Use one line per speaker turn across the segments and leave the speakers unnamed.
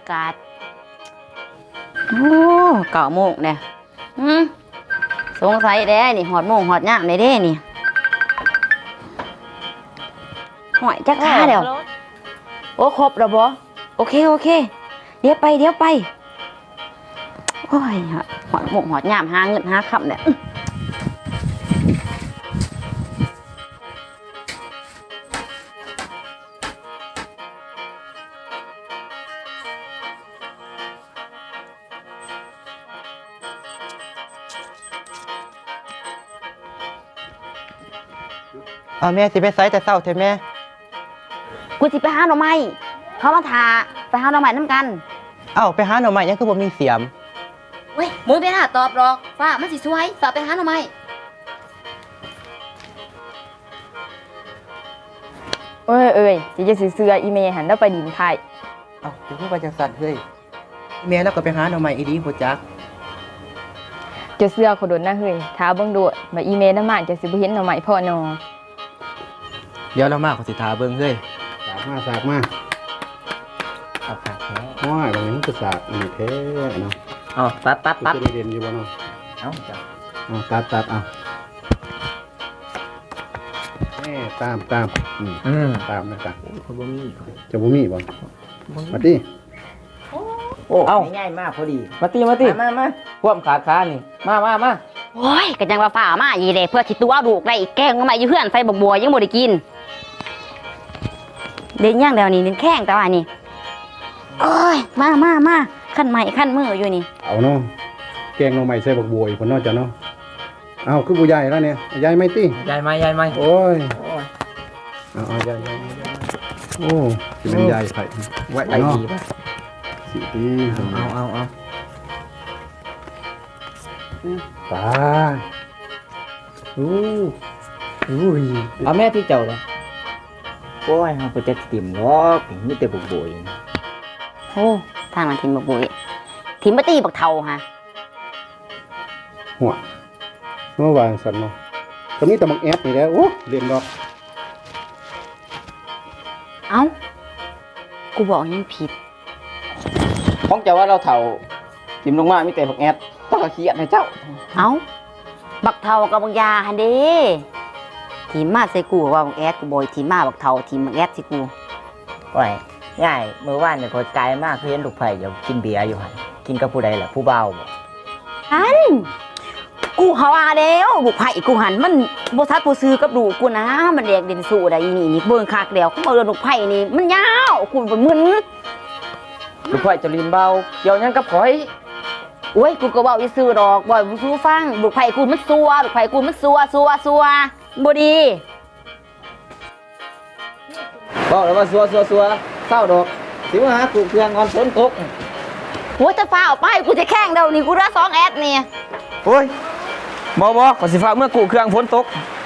ากาศโอ้9 โมงเนี่ยสงสัยเด้นี่หอดโมงหอดย่างในเด้นี่หอยจักท่าเดี๋ยวโอ้ครบแล้วบ่โอเคเดี๋ยวไปโอ้ยหอดโมงหอดย่ามหาเงินหาคำเนี่ย
เอาแม่สิไปไสแต่เช้าเถอะแม่
กูสิไปหาหน่อไม้เขามาทาไปหาหน่อไม้น้ำกัน
เอ้าไปหาหน่อไม้ยังคือบ่มีเสียม
เว้ยมึงไปหาตอบหรอกฟ้ามันสิสวยฝากไปหาหน่อไม้
เอ้ยจะเสืออีเมหันแล้วไปดินไทย
เอ้าจะพูดว่าจังซั่นเฮ้ยแม่แล้วก็ไปหาหน่อไม้อีดีบ่จัก
จะเสือขดนนะเฮ้ยท้าเบิ่งโดดมาอีเมน้ำมันจะสิบ่เห็นหน่อไม้พ่อนอ
เดี๋ยวเรามาขอสิทาเบิ่งเฮ้ย
สากมา
เอาค่ะแท้
น้อยบางนี้ก็สากนี่แท้เนาะ
อ๋อตัด
จะได้เรียนอยู่บ่เนาะ
เอ้าจ้ะ
ตัดเอาตามตามนะครับ
คนบ่มี
จะบ่มีบ่มาดิ
โอ้ง่ายมากพอดีมาติมาควมขานี่มา
โอ้ยก็จังว่าฟ้ามาอีเด้เพื่อสิตัวลูกได้อีกแกงหน่อไม้อยู่เฮือนใส่บัวยังบ่ได้กินเด่นย่างเดียวนี่เด่นแข้งแต่ว่านี่โอ้ยมาขั้นใหม่ขั้นมืออยู่นี่
เอาเนาะแกงหน่อไม้ใส่บักบัวอีกคนนอกจากเนาะเอาคือผู้ใหญ่แล้วเนี่ยใหญ่ไหมติ
ใหญ่ไหม
โอ้ยเอาใหญ่โอ้สิเป็นใหญ่ไผไว้เนาะสิตี
เอา
ตาย
เอาแม่ที่เจ้าเลยโอ้ยเฮาบ่จักติ่มหรอกมีแต่บุกบ่อย
โอ้ทางนั้นทิมบักบุยทิมบ่ตีบักเฒ่าฮะ
หัวเมื่อวานสันเนาะก็มีแต่บักแอดนี่แหละโอ้เรียนดอก
เอ้ากูบอกยังผิด
ของเจ้าว่าเราเฒ่าติ่มลงมามีแต่บักแอดต้องก็เขียนให้เจ้า
เอ้าบักเฒ่ากับบักยาหั่นเด้ทีมมาใส่กูว่าบักแอดกูบ่ทีมมาบักเฒ่าทีมบักแอดสิกู
โอ้ยง่ายมื้อวานนี่คนไกลมากคือเห็นลูกไผ่อยู่กินเบียร์อยู่หั่นกินกับผู้ใดล่ะผู้บ่าวบ่
กูเขาว่าแล้วบุกไผ่กูหันมันบ่ทัดบ่ซื้อกับดูกูนะมันแดกเด่นสู้ได้อีนี่เบิ่งคักแล้วกูเบิ่งลูกไผ่นี่มันยาวกูบ่มึน
ลูกไผ่จะลินเบาเกี่ยวหยังกับข่อย
โอ้ยกูก็เว้าซื่อดอกบ่บ่สู้ฟังลูกไผ่กูมันซัวลูกไผ่กูมันซัวบ่ดี
บอกแล้วว่าซัวเศร้าดอกสิมาหากูเครื่องงอนฝนตก
หัวจะฟ้าออกไปกูจะแข่งเดี๋ยวนี้กูได้2แอดนี่
โอ้ยบ่ขอสิฟ้าเมื่อกูเครื่องฝนตก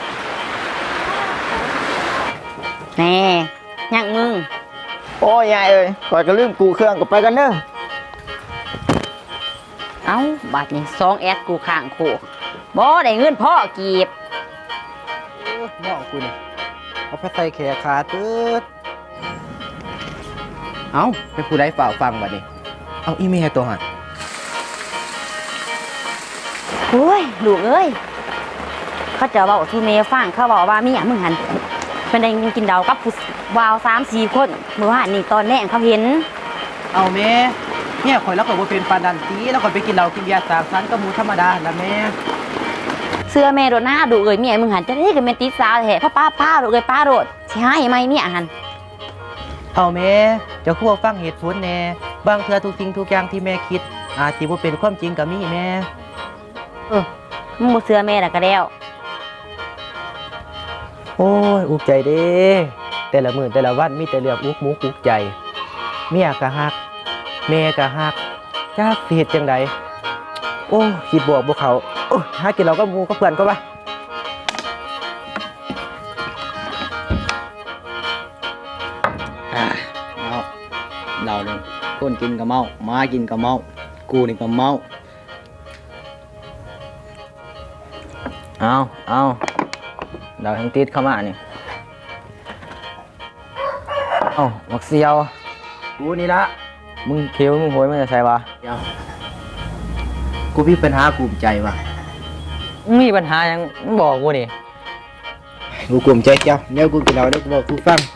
แน่ยังมึง
โอ้ยยายเอ้ยข่อยก็ลืมกูเครื่องก็ไปกันเด้อ
เอ้าบัดนี้2แอดกูข้างโคกบ่ได้เงินพ่อกีบ
น้องกูนี่เอาไปใส่แขนขาตึ๊ดเอ้าไปผู้ใดฝ่าฟังบัดนี้เอาอีเมลตัวหัน
โอ้ยลูกเอ้ยเขาจะบอกที่เมย์ฟังเขาบอกว่ามีอย่างมึงหันเป็นได้กินดาวกับผู้วาว3-4 คนเมื่อวานนี่ตอนแรกเขาเห็น
เอาแม่เนี่ยข่อยแล้วก็บ่เป็นปานดันตีแล้วข่อยไปกินเหล้ากินเบียร์3 ชั้นกับหมูธรรมดาละแม่
เสื้อแม่โดนหน้าดูเอ้ยเมียมึงหันจะได้กับเมติสาวแท้พ่อป้าโดดเลยป้าโดดสิให้ไหมเมียหัน
เอาแม่เจ้าคู่ฟังเหตุผลแน่บางเทื่อทุกสิ่งทุกอย่างที่แม่คิดอาจสิบ่เป็นความจริงก็มีแม่
มึงบ่เสื้อแม่ละก็แล้ว
โอ้ยอุกใจเด้แต่ละมื้อแต่ละวันมีแต่เรื่องอุกมุกอุกใจเมียก็ฮักแม่ก็ฮักจักสิเฮ็ดจังไดโอ้คิดบวกบ่เข้าหากินเราก็หมู่กับเพื่อนก็ว่าเราเนี่ยคนกินก็เมามากินก็เมากูนี่ก็เมาเอาเราแห่งติดเข้ามานี่มักเสียวกูนี่ละ
มึงเคี้ยวมึงโหยมันจะใช่ปะ
เดี๋ยวกูมีปัญหากูมใจว่ะ
มึงมีปัญหาหยังมึงบอกกูนี่
กูกลุ่มใจเจ้าเดี๋ยวกูกินเราเดี๋ยวกูบอกกูฟัง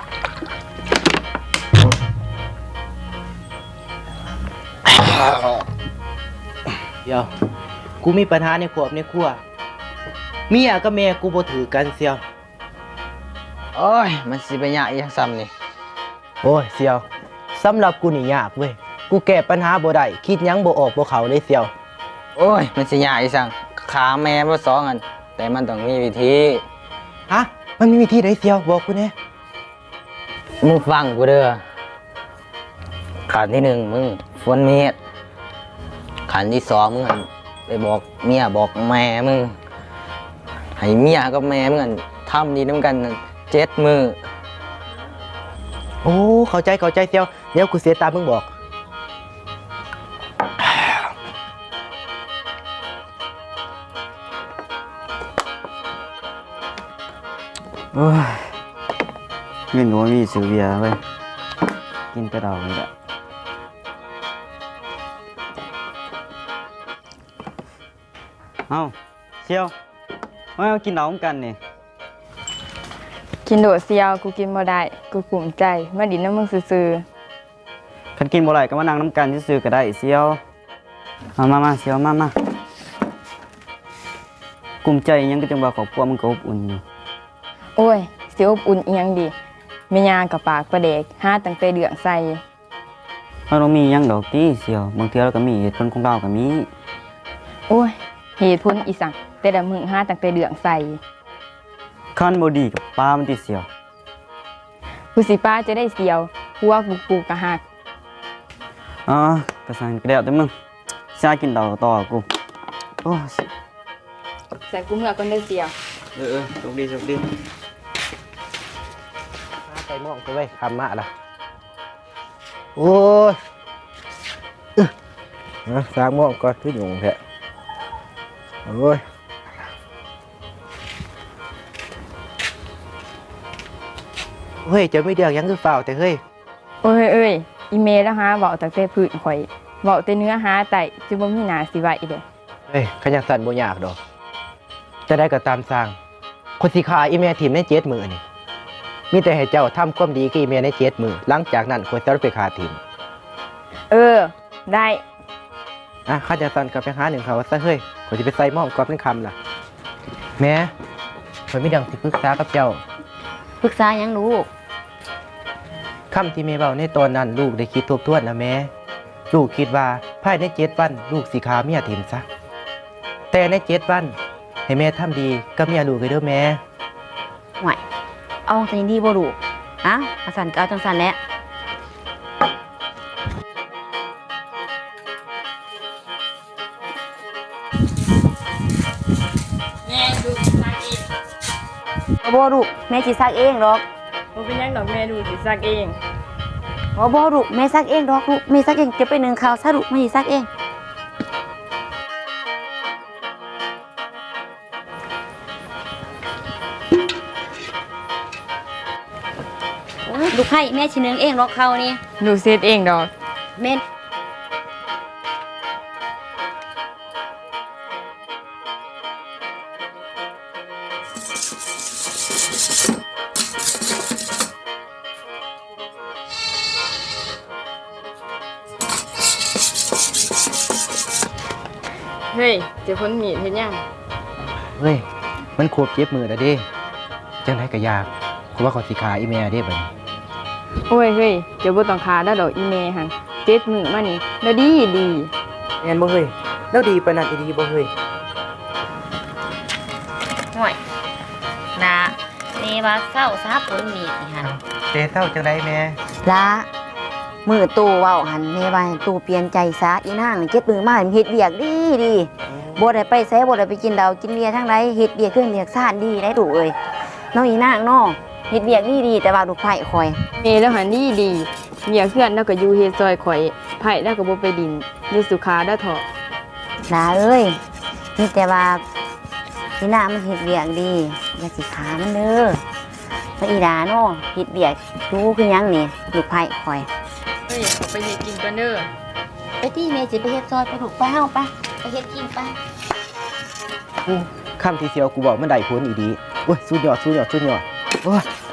เดี๋ยวกูมีปัญหาในครอบในครัวเมียกับแม่กูบ่ถือกันเสียว
โอ้ยมันสิไปยากอีหยังซ้ำนี่
โอ้ยเสียวสำหรับกูนี่ยากเว้ยกูแก้ปัญหาบ่ได้คิดหยังบ่ออกบ่เข้าเลยเสียว
โอ้ยมันสิยากอีสังขาแม่บ่สองอันแต่มันต้องมีวิธี
ฮะมันมีวิธีใดเสียวบอกกูแหน่
มึงฟังกูเด้อขั้นที่หนึ่งมึงฝนเมียดขั้นที่สองมึงอั่นไปบอกเมียบอกแม่มึงให้เมียกับแม่มึงอั่นทำดีน้ำกัน7 มื้อ
โอ้เข้าใจเสียวเดี๋ยวกูเสียตามมึงบอกโอ้ยเงินกูมีซื้อเบียร์เว้ยกินแต่เรานี่แหละเอ้าเชียวมากินเหล้ากันนี่
กินโดดเซียวกูกินบ่ได้กูกลุ่มใจมาดินน้ำมึงซื่อ
คันกินบ่ไหลก็มานั่งน้ำกันซื่อๆก็ได้เซียวมาเซียวมากลุ่มใจอิหยังก็จังว่าครอบครัวมันก็อบอุ่นอยู่
ๆโอ้ยสิอบอุ่นอีหยังดีแม่ย่ากับปากประเดกหาตั้งแต่เดืองใส่
เรามีหยังดอกติเซียวบางเทื่อเราก็มีเหตุผลของเราก็มี
โอ้ยเหตุผลอีสังแต่ละมึงหาตั้งแต่เดืองใส่
คันบ่ดีกับป้ามันติเซียว
กูสิป้าจะได้เซียวหัวกูกะหัก
อ๋อกระสันก็แล้วแต่มึงซากินเหล้าต่อกูโอ้
ใส่กูเมื่อก่อนได้เซียว
โชคดี
ไปมองกูไว้คำมาละโอ้ยสร้างมองก่อนคือหยุ่งแท้โอ้ยเฮ้ยจะไม่เดือดยังคือเปล่าแต่เฮ้ย
โอ้ยเอ้ยอีเมลแล้วหาเว้าตั้งแต่พื้นข่อยเว้าแต่เนื้อหาไต่จะบ่มีหน้าสิไหวเด้
เฮ้ยขยันสั่นบ่ยากดอกจะได้ก็ตามสร้างคนสิขาอีเมลทีมใน7 มื้อนี่มีแต่ให้เจ้าทำความดีกับอีเมลใน7 มื้อหลังจากนั้นคนจะไปขาทีม
เออได้
ข้าจะสั่นกับไปหาหนึ่งเขาซะเฮ้ยขอยสิไปใส่หม้อมกรอบเป็นคำล่ะแม่ขอยมีดังสิปรึกษากับเจ้า
ปรึกษาหยังลูก
คำที่แม่เบาในตอนนั้นลูกได้คิดทบทวนนะแม่ลูกคิดว่าภายใน7 วันลูกสิขาเมียถิ่มซะแต่ใน7 วันให้แม่ทำดีกับเมียลูกเลยเด้อแม่
ห่วยเอาใจดีบ่ลูกอ่ะอาสันก็เอาจังสันแหละ
แม่ดูซักเอง
บ่ลูกแม่สิซักเองดอก
บ่เป็นหยังดอกแม่ดูสิซักเอง
บ่ลูกแม่ซักเองดอกลูกแม่ซักเองเก็บไป1ข้าวซะลูกแม่สิซักเองโอ้ยลูกให้แม่สินึ่งเองดอกข้าวนี่
ดูเซตเองดอก
แม่
เฮ้ยเจะพ้นมีดเฮ็ดหยัง
เฮ้ยมันควบ7 มื้อแล้วเด้จังไดก็ยากกูว่าขอยสิขาอีแม่เด้บัดนี้
โอ้ยเฮ้ยเจะบ่ต้องคาแล้วดอกอีเมหั่น7 มื้อมานี่แล้วดี
แม่นบ่เฮ้ยแล้วดีปานนั้นอีดีบ่เฮ้ย
ห่วยนะแม่ว่าเศร้าซะผลมีดนี่หั่น
เตเศร้าจังไดแม่
ละมือตู่เว้าหันแม่ว่าให้ตู่เปลี่ยนใจซะอีนางนี่7 มื้อมาให้มันเฮ็ดเวียกดีบ่ได้ไปไสบ่ได้ไปกินเหล้ากินเบียร์ทางใดเฮ็ดเวียกเครื่องเวียกซ่านดีได้ตู่เอ้ยน้องอีนางน้อเฮ็ดเวียกดีแต่ว่าลูกไผ่คอย
เมแล้วหันดีเมียเพื่อนแล้วก็อยู่เฮ็ดซอยข่อยไผแล้วก็บ่ไปดินอยู่สุขาเด้อเถาะ
ลาเอ้ยนี่แต่ว่าอีนางมันเฮ็ดเวียกดีอย่าสิขามันเด้อแล้วอีดาน้อเฮ็ดเวียกรู้คือหยังนี่ลูกไผ่คอย
เฮ้ยเอาไปเฮ็ดกินก่อนเด้อ
ไปที่เมสิไปเฮ็ดซอยไปถูกป้าเฮาปะไปเฮ็ดกินปะ
คำที่เสียวกูบอกมันได้ผลอีดีโอ้ยสุดยอดโอ้ย